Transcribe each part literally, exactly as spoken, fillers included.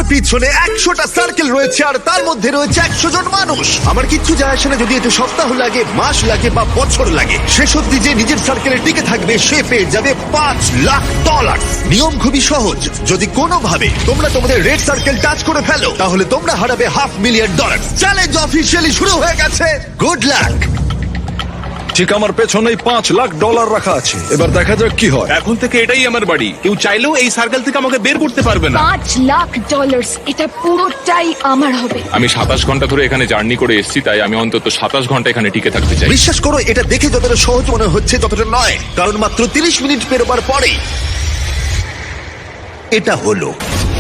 পিছনে একশোটা সার্কেল রয়েছে আর তার মধ্যে রয়েছে একশো জন মানুষ। আমার কিচ্ছু যায় আসে না যদি এতে সপ্তাহ লাগে, মাস লাগে বা বছর লাগে। শেষ অব্দি যে নিজের সার্কেলে টিকে থাকবে সে পেয়ে যাবে পাঁচ লাখ ডলার। নিয়ম খুবই সহজ, যদি কোনোভাবে তোমরা তোমাদের রেড সার্কেল টাচ করে ফেলো তাহলে তোমরা হারাবে half million dollar. Challenge officially শুরু হয়ে গেছে। Good luck. ঠিক আমার পেছনেই পাঁচ লাখ ডলার রাখা আছে, এবার দেখা যাক কি হয়। এখন থেকে এটাই আমার বাড়ি, কেউ চাইলেও এই সার্কেল থেকে আমাকে বের করতে পারবে না। পাঁচ লাখ ডলার, এটা পুরোটাই আমার হবে। আমি সাতাশ ঘন্টা ধরে এখানে জার্নি করে এসেছি, তাই আমি অন্তত সাতাশ ঘন্টা এখানে টিকে থাকতে চাই। বিশ্বাস করো, এটা দেখে যতটা সহজ মনে হচ্ছে ততটা নয়, কারণ মাত্র তিরিশ মিনিট পেরোবার পরেই এটা হলো।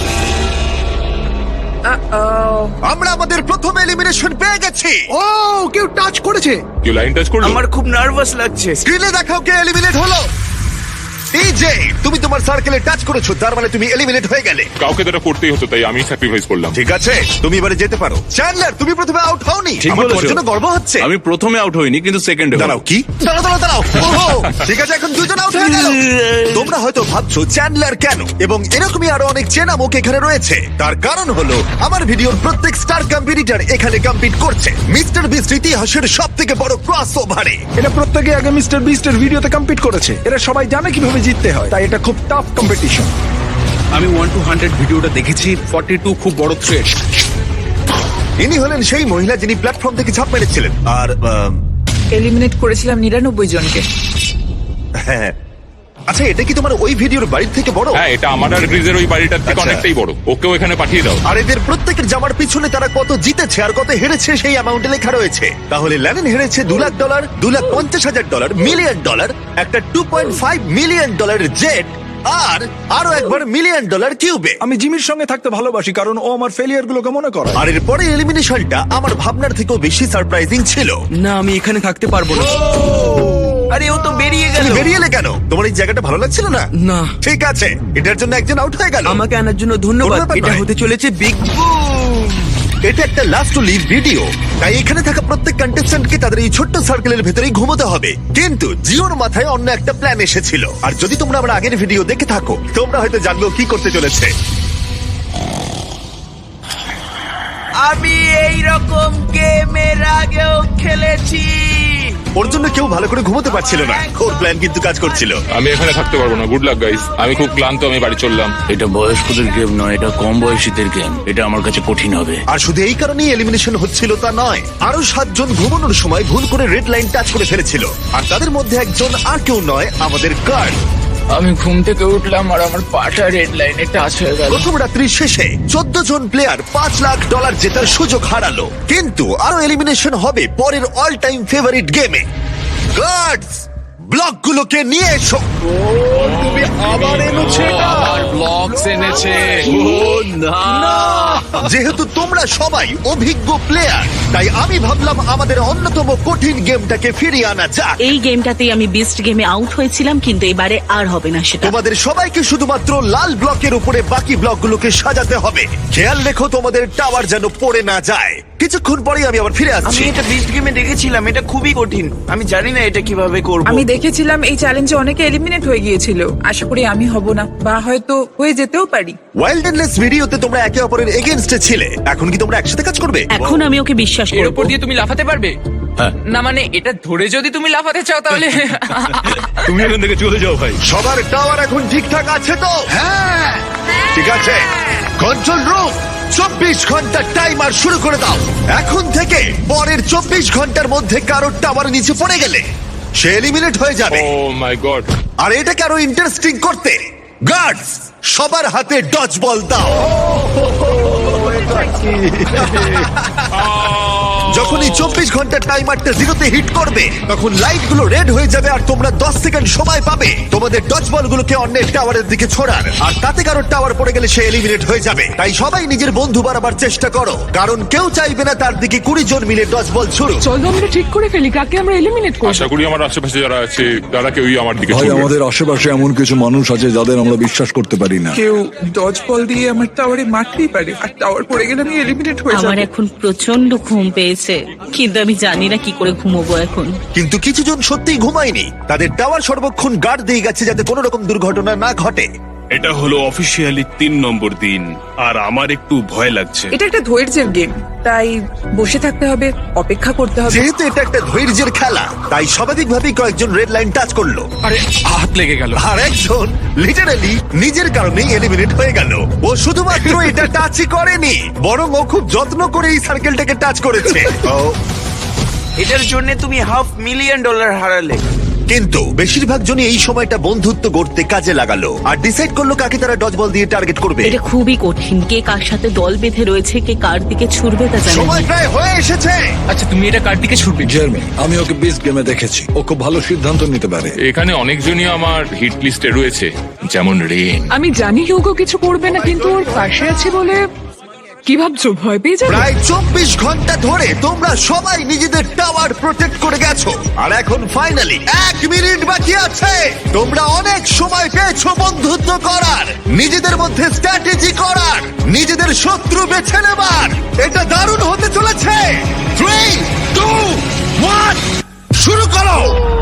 আমরা আমাদের প্রথম এলিমিনেশন পেয়ে গেছি। ও কেউ টাচ করেছে। কেউ লাইন টাচ করলো? আমার খুব নার্ভাস লাগছে। স্ক্রিনে দেখাও কে এলিমিনেট হলো। টিজে, তুমি তোমার সার্কেলে টাচ করেছো, তার মানে তুমি এলিমিনেট হয়ে গেলে। কাউকে তো এটা করতেই হতো, তাই আমি স্যাক্রিফাইস করলাম। ঠিক আছে, তুমি এবারে যেতে পারো। চ্যান্ডলার, তুমি প্রথমে আউট হওনি। ঠিক আমার বলেছো। তোমার জন্য গর্ব হচ্ছে। আমি প্রথমে আউট হইনি, কিন্তু সেকেন্ডে দাঁড়াও, কি? দাঁড়াও দাঁড়াও দাঁড়াও। ওহো, ঠিক আছে, এখন দুজন আউট হয়ে গেল। তোমরা হয়তো ভাবছো চ্যান্ডলার কেন, এবং এরকমই আরো অনেক চেনা মুখ এখানে রয়েছে। তার কারণ হলো আমার ভিডিওর প্রত্যেক স্টার কম্পিটিটর এখানে কম্পিট করছে মিস্টার বিস্ট ইতিহাসের সব থেকে বড় ক্রস ওভারে। এটা প্রত্যেকে আগে মিস্টার বিস্টের ভিডিওতে কম্পিট করেছে, এরা সবাই জানে কিভাবে জিততে হয়, তাই এটা খুব টাফ কম্পিটিশন। আমি ওয়ান টু হান্ড্রেড ভিডিওটা দেখেছি। ফর্টি টু খুব বড় থ্রেট। ইনি হলেন সেই মহিলা যিনি প্ল্যাটফর্ম থেকে ঝাঁপ মেরেছিলেন। আর আহ, এলিমিনেট করেছিলাম নিরানব্বই জনকে। হ্যাঁ, আচ্ছা, এটা কি তোমার ওই ভিডিওর বাড়ির থেকে বড়? হ্যাঁ, এটা আমার আর গ্রিজের ওই বাড়িটার থেকে আচ্ছা। অনেকটাই বড়। ওকেও এখানে পাঠিয়ে দাও। আর এদের প্রত্যেকের জামার পিছনে তারা কত জিতেছে আর কত হেরেছে সেই অ্যামাউন্টে লেখা রয়েছে। তাহলে ল্যানিন হেরেছে দু লাখ ডলার, দু লাখ পঞ্চাশ হাজার ডলার, মিলিয়ন ডলার, একটা টু পয়েন্ট ফাইভ মিলিয়ন ডলারের জেট, আর আরো একবার মিলিয়ন ডলার কিউবে। আমি জিমির সঙ্গে থাকতে ভালোবাসি কারণ ও আমার ফেলিয়ার গুলোকে মনে করে। আর এর পরে এলিমিনেশনটা আমার ভাবনার থেকেও বেশি সারপ্রাইজিং ছিল। না, আমি এখানে থাকতে পারবো না। আরে ও তো বেরিয়ে গেল। তুমি বেরিয়ে এলে কেন? তোমার এই জায়গাটা ভালো লাগছিল না? না। ঠিক আছে, এটার জন্য একজন আউট হয়ে গেল। আমাকে আনার জন্য কোনো ধন্যবাদ। ব্যাপার এটা নয়। হতে চলেছে বিগ বুম। এটা একটা লাস্ট টু লিভ ভিডিও, তাই এখানে থাকা প্রত্যেক কন্টেস্ট্যান্টকে তাদের এই ছোট্ট সার্কেলের ভেতরেই ঘুমোতে হবে। কিন্তু জিওর মাথায় অন্য একটা প্ল্যান এসেছিল, আর যদি তোমরা আমার আগের ভিডিও দেখে থাকো তোমরা হয়তো জানবে ও কি করতে চলেছে। আমি এই রকম গেম এর আগেও খেলেছি। ওর জন্য কেউ ভালো করে ঘুমোতে পারছিল না, ওর প্ল্যান কিন্তু কাজ করছিল। আমি এখানে থাকতে পারবো না। গুড লাক গাইস, আমি খুব ক্লান্ত, আমি বাড়ি চললাম। এটা বয়স্কদের গেম নয়, এটা কম বয়সীদের গেম। এটা আমার কাছে কঠিন হবে। আর শুধু এই কারণেই এলিমিনেশন হচ্ছিল তা নয়, আরো সাতজন ঘুমানোর সময় ভুল করে রেড লাইন টাচ করে ফেলেছিল, আর তাদের মধ্যে একজন আর কেউ নয়, আমাদের কার্ড। আমি ঘুম থেকে উঠলাম আর আমার পাটা রেড লাইনে টাচ হয়ে গেল। প্রথম রাত্রির শেষে চোদ্দ জন প্লেয়ার পাঁচ লাখ ডলার জেতার সুযোগ হারালো। কিন্তু আরো এলিমিনেশন হবে পরের অল টাইম ফেভারিট গেমে। গার্ডস, ব্লকগুলোকে নিয়ে এসো। তুমি আবার এনেছে ব্লগস এনেছে। যেহেতু তোমরা সবাই অভিজ্ঞ প্লেয়ার, তাই আমি ভাবলাম আমাদের অন্যতম কঠিন গেমটাকে ফিরিয়ে আনা যাক। এই গেমটাতেই আমি বিস্ট গেমে আউট হয়েছিলাম, কিন্তু এবারে আর হবে না সেটা। তোমাদের সবাইকে শুধুমাত্র লাল ব্লকের উপরে বাকি ব্লকগুলোকে সাজাতে হবে। খেয়াল রেখো তোমাদের টাওয়ার যেন পড়ে না যায়। কিছুক্ষণ পরেই আমি আবার ফিরে আমি আসছি। এটা বিস্ট গেমে দেখেছিলাম, এটা খুবই কঠিন। আমি জানি না এটা কিভাবে করব। আমি দেখেছিলাম এই চ্যালেঞ্জে অনেকে এলিমিনেট হয়ে গিয়েছিল। আশা করি আমি হব না, বা হয়তো হয়ে যেতেও পারি। ওয়াইল্ডনেস ভিডিওতে তোমরা একে অপরের এগেইনস্টে ছিলে, এখন কি তোমরা একসাথে কাজ করবে? এখন আমি ওকে বিশ্বাস এর করব। উপর দিয়ে তুমি লাফাতে পারবে? না মানে এটা ধরে যদি তুমি লাফাতে চাও তাহলে তুমি এখান থেকে চলে যাও ভাই। সবার টাওয়ার এখন ঠিকঠাক আছে তো? হ্যাঁ, ঠিক আছে। কন্ট্রোল রুম, চব্বিশ ঘন্টার টাইমার শুরু করে দাও। এখন থেকে পরের চব্বিশ ঘন্টার মধ্যে কারোর টাওয়ার নিচে পড়ে গেলে সে এলিমিনেট হয়ে যাবে। ও মাই গড। আর এটাকে আরো ইন্টারেস্টিং করতে গার্ডস সবার হাতে ডজ বল দাও। যখন এই চব্বিশ ঘন্টার টাইমারটা জিরোতে হিট করবে তখন লাইট গুলো রেড হয়ে যাবে, আর তোমরা দশ সেকেন্ড সময় পাবে তোমাদের ডজ বল গুলোকে অন্যের টাওয়ারের দিকে ছোড়ার। আর তাতে কারোর টাওয়ার পড়ে গেলে সে এলিমিনেট হয়ে যাবে। তাই সবাই নিজের বন্ধু বাড়াবার চেষ্টা করো, কারণ কেউ চাইবে না তার দিকে কুড়ি জন মিলে ডজ বল ছুড়ুক। চলো আমরা ঠিক করে ফেলি কাকে আমরা এলিমিনেট করব। আশা করি আমার আশেপাশে যারা আছে তারা কেউই আমার দিকে ভাই, ছুটবে। আমাদের আশেপাশে এমন কিছু মানুষ আছে যাদের আমরা বিশ্বাস করতে পারি না। কেউ ডজ বল দিয়ে আমার টাওয়ারে মারতেই পারে, আর টাওয়ার পড়ে গেলে আমি এলিমিনেট হয়ে আমার যাব। এখন প্রচন্ড ঘুম পেয়েছে, কিন্তু আমি জানি না কি করে ঘুমোবো এখন। কিন্তু কিছু জন সত্যিই ঘুমায়নি, তাদের টাওয়ার সর্বক্ষণ গার্ড দিয়ে গেছে যাতে কোনো রকম দুর্ঘটনা না ঘটে। এটা হলো অফিসিয়ালি তিন নম্বর দিন আর আমার একটু ভয় লাগছে। এটা একটা ধৈর্যের গেম, তাই বসে থাকতে হবে, অপেক্ষা করতে হবে। যেহেতু এটা একটা ধৈর্যের খেলা, তাই স্বাভাবিকভাবেই কয়েকজন রেড লাইন টাচ করলো, আরে হাত লেগে গেল। আর একজন লিটারালি নিজের কারণেই এলিমিনেট হয়ে গেল। ও শুধুমাত্র এটা টাচই করেনি, বরং ও খুব যত্ন করে এই সার্কেলটাকে টাচ করেছে। ও, এটার জন্য তুমি হাফ মিলিয়ন ডলার হারালে। কিন্তু বেশিরভাগ জনই এই সময়টা বন্ধুত্ব গড়তে কাজে লাগালো আর ডিসাইড করলো কাকে তারা ডজ বল দিয়ে টার্গেট করবে। এটা খুবই কঠিন, কে কার সাথে দল বেঁধে রয়েছে, কে কার দিকে ছুটবে তা জানি না। সময় প্রায় হয়ে এসেছে। আচ্ছা তুমি এটা কার দিকে ছুটবে? জার্মি, আমি ওকে বিস্ট গেমে দেখেছি, ও খুব ভালো সিদ্ধান্ত নিতে পারে। এখানে অনেকজনই আমার হিট লিস্টে রয়েছে, যেমন রেন। আমি জানি হিউগো কিছু করবে না, কিন্তু ওর পাশে আছে বলে কি ভাবছো, ভয় পেয়ে যাবে? প্রায় চব্বিশ ঘন্টা ধরে তোমরা সবাই নিজেদের টাওয়ার প্রোটেক্ট করে গেছো, আর এখন ফাইনালি এক মিনিট বাকি আছে। তোমরা অনেক সময় পেয়েছো বন্ধুত্ব করার, নিজেদের মধ্যে স্ট্র্যাটেজি করার, নিজেদের শত্রু বেছে নেবার। এটা দারুণ হতে চলেছে। থ্রি টু ওয়ান, শুরু করো।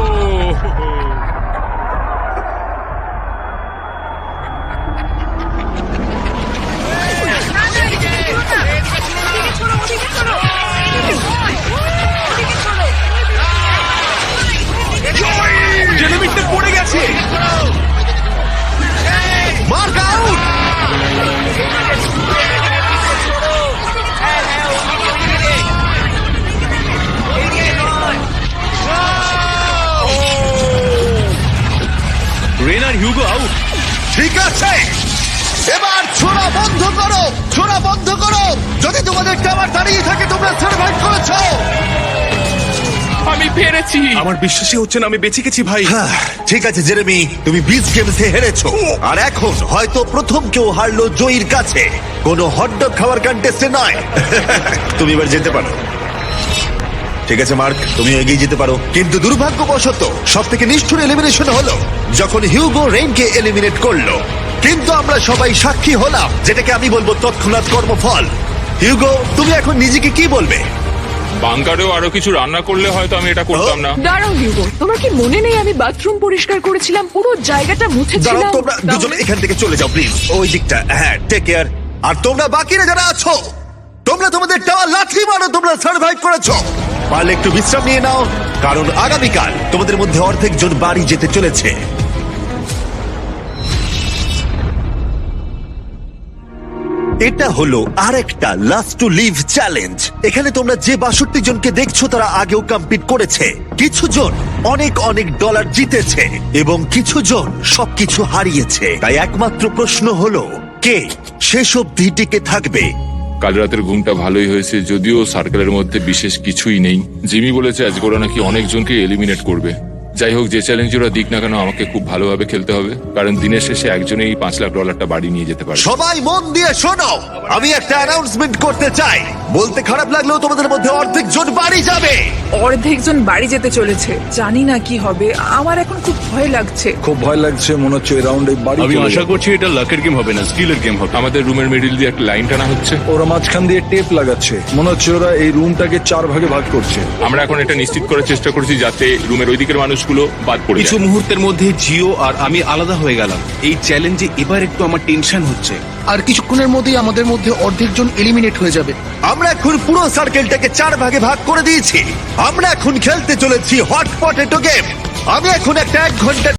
জেলিমিটটা পড়ে গেছে। Mark out. রেন আর হিউগো আউট। ঠিক আছে, এবার ছোড়া বন্ধ করো, ছোড়া বন্ধ করো। যদি তোমাদের টাওয়ার দাঁড়িয়ে থাকে, তোমরা সার্ভাইভ করেছো। আমি পেরেছি। আমার বিশ্বাসই হচ্ছে না আমি বেঁচে গেছি ভাই। হ্যাঁ, ঠিক আছে জেরেমি, তুমি বিচ গেমসে হেরেছো, আর এখন হয়তো প্রথম কেউ হারলো জয়ীর কাছে, কোনো হটডগ খাওয়ার কন্টেস্টে নয়। তুমি এবার যেতে পারো। ঠিক আছে মার্ক, তুমি এগিয়ে যেতে পারো। কিন্তু দুর্ভাগ্যবশত সব থেকে নিষ্ঠুর এলিমিনেশন হলো যখন হিউগো রেইনকে এলিমিনেট করলো। কিন্তু আমরা সবাই সাক্ষী হলাম, যেটাকে আমি বলবো তৎক্ষণাৎ কর্মফল। হিউগো, তুমি এখন নিজেকে কি বলবে? বাংকারেও আরো কিছু রান্না করলে হয়তো আমি এটা করতাম না। দাঁড়াও হিউগো, তোমার কি মনে নেই আমি বাথরুম পরিষ্কার করেছিলাম, পুরো জায়গাটা দাঁড়াও, মুছেছিলাম? তোমরা দুজন এখান থেকে চলে যাও প্লিজ, ওই দিকটা। হ্যাঁ, টেক কেয়ার। আর তোমরা বাকিরা যারা আছো, তোমরা তোমাদের টাওয়ার লাথি মারো, তোমরা সার্ভাইভ করেছো। পারলে একটু বিশ্রাম নিয়ে নাও, কারণ আগামীকাল তোমাদের মধ্যে অর্ধেক জন বাড়ি যেতে চলেছে। এটা হলো আরেকটা লাস্ট টু লিভ চ্যালেঞ্জ। এখানে তোমরা যে বাষট্টি জনকে দেখছো তারা আগেও কম্পিট করেছে। কিছু জন অনেক অনেক ডলার জিতেছে এবং কিছু জন সবকিছু হারিয়েছে। তাই একমাত্র প্রশ্ন হলো, কে শেষ অবধি টিকে থাকবে? কাল রাতের ঘুমটা ভালোই হয়েছে, যদিও সার্কেলের মধ্যে বিশেষ কিছুই নেই। জিমি বলেছে আজকে ওরা নাকি অনেকজনকে এলিমিনেট করবে। যাই হোক, যে চ্যালেঞ্জ ওরা দিক না কেন, আমাকে খুব ভালোভাবে খেলতে হবে, কারণ দিনের শেষে একজনেই পাঁচ লাখ ডলারটা বাড়ি নিয়ে যেতে পারে। সবাই মন দিয়ে শোনো, আমি একটা অ্যানাউন্সমেন্ট করতে চাই। বলতে খারাপ লাগলেও তোমাদের মধ্যে অর্ধেক জন বাড়ি যাবে। অর্ধেক জন বাড়ি যেতে চলেছে, জানি না কি হবে। আমার এখন খুব ভয় লাগছে। খুব ভয় লাগছে, মনে হচ্ছে এই রাউন্ডে বাড়ি আমি চলে আশা যাবে। করছি এটা লাকের গেম হবে না, স্কিলের গেম হবে। আমাদের রুমের মিডিল দিয়ে একটা লাইন টানা হচ্ছে। ওরা মাঝখান দিয়ে টেপ লাগাচ্ছে, মনে হচ্ছে ওরা এই রুমটাকে চার ভাগে ভাগ করছে। আমরা এখন এটা নিশ্চিত করার চেষ্টা করছি যাতে রুমের ওই দিকের মানুষগুলো বাদ পড়ে কিছু যায়। মুহূর্তের মধ্যে জিও আর আমি আলাদা হয়ে গেলাম। এই চ্যালেঞ্জে এবার একটু আমার টেনশন হচ্ছে। আর কিছুক্ষণের মধ্যেই আমাদের মধ্যে অর্ধেক জন এলিমিনেট হয়ে যাবে। আমরা এখন পুরো সার্কেলটাকে চার ভাগে ভাগ করে দিয়েছি। আমরা এখন খেলতে চলেছি হট পটেটো গেম। আমি এখন একটা এক ঘন্টার